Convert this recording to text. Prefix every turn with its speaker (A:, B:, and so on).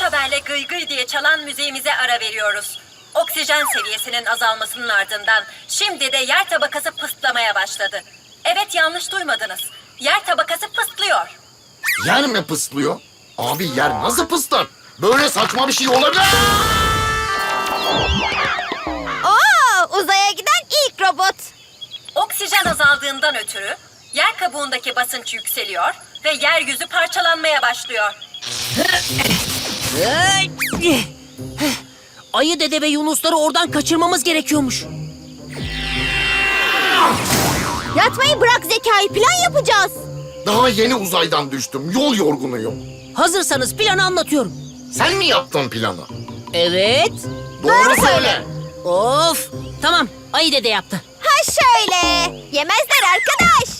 A: haberle gıy gıy diye çalan müziğimize ara veriyoruz. Oksijen seviyesinin azalmasının ardından şimdi de yer tabakası pıstlamaya başladı. Evet, yanlış duymadınız. Yer tabakası pıstlıyor.
B: Yer mi pıslıyor? Abi yer nasıl pıslar? Böyle saçma bir şey olabilir.
C: Oo, uzaya giden ilk robot.
A: Oksijen azaldığından ötürü yer kabuğundaki basınç yükseliyor ve yeryüzü parçalanmaya başlıyor.
D: Ayı dede ve yunusları oradan kaçırmamız gerekiyormuş.
C: Yatmayı bırak Zekai, plan yapacağız.
B: Daha yeni uzaydan düştüm. Yol yorgunuyum.
D: Hazırsanız planı anlatıyorum.
B: Sen mi yaptın planı?
D: Evet.
B: Doğru söyle.
D: Of. Tamam. Ayı dede yaptı.
C: Ha şöyle. Yemezler arkadaş.